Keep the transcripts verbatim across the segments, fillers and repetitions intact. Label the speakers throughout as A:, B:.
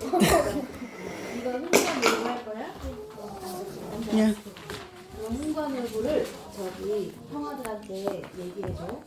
A: 이거 흥관놀부 할 거야?
B: 야.
A: 그럼 흥관놀부를 저기 형아들한테 얘기해줘.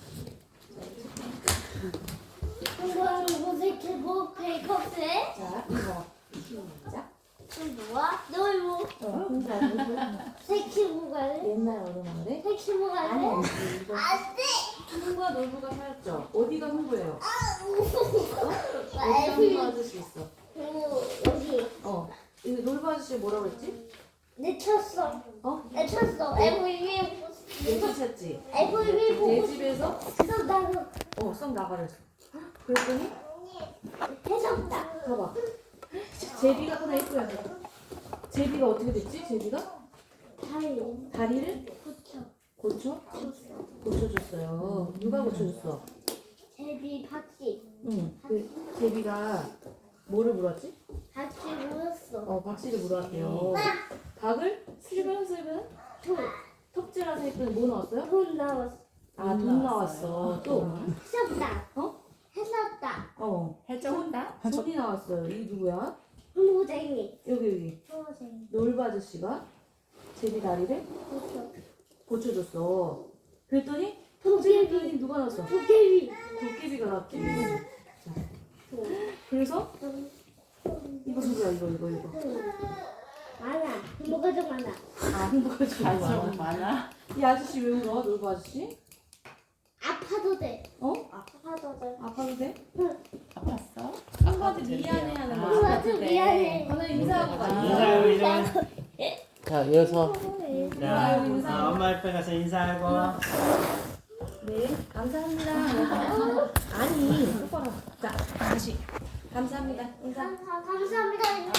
C: 이거는 무슨 기본 베이커스에?
A: 자, 이거 시작.
C: 뭐야? 놀고
A: 어, 흥관놀부.
C: 새키보가래?
A: 옛날 어른마을에
C: 새키보가래?
A: 아니 이거
C: 안돼!
A: 흥관놀부가 살았죠. 어디가 흥부예요? 어디가
C: 애플
A: 흥부 아저씨 있어?
C: 여기
A: 어. 이 놀부 아저씨 뭐라고 했지?
C: 내쳤어.
A: 어?
C: 내쳤어. 엠브이피
A: 내 쫓았지?
C: 엠브이피
A: 내
C: 보고
A: 집에서
C: 싶어. 나도
A: 어, 썩 나가랬어. 그랬더니
C: 해줬다.
A: 봐봐. 제비가 하나 있어야 돼. 제비가 어떻게 됐지? 제비가
C: 다리
A: 다리를
C: 붙여
A: 고쳐
C: 줬어.
A: 고쳐줬어요. 누가 고쳐줬어?
C: 제비 박씨.
A: 응. 그 제비가 뭐를 물었지?
C: 박씨 물었어.
A: 어, 박씨를 물어왔대요. 박을 슬근슬근
C: 돈.
A: 톱질하서 했더니 뭐 나왔어요?
C: 돈 나왔어.
A: 아, 돈 나왔어. 또
C: 해줬다.
A: 어?
C: 해줬다.
A: 어,
B: 해줘온다.
A: 돈이 나왔어요. 이 누구야?
C: 노쟁이.
A: 여기 여기
C: 노쟁이.
A: 놀부 아저씨가 제비 다리를
C: 붙여.
A: 고쳐줬어. 그랬더니
C: 도깨비.
A: 톱질했더니 누가 나왔어?
C: 도깨비.
A: 도깨비가 나왔지. 자, 그래서 이거 누구야? 이거 이거 이거.
C: 많아. 뭐가 좀 많아.
A: 아, 흥부가 좀 많아.
B: 많아.
A: 이 아저씨 왜 울어? 놀부 아저씨?
C: 아파도 돼.
A: 어?
C: 아파도 돼.
A: 아파도 돼?
B: 아팠어?
A: 한마디 미안해하는 거.
C: 아파도 미안해.
A: 하나 인사하고 가.
D: 인사하고
A: 인사.
D: 인사.
E: 자, 이어서
D: 자,
A: 인사하고.
D: 어, 엄마 옆에 가서 인사하고.
A: 네, 감사합니다. 아니, 똑바로. 자, 다시. 감사합니다. 인사.
C: 감사, 감사합니다.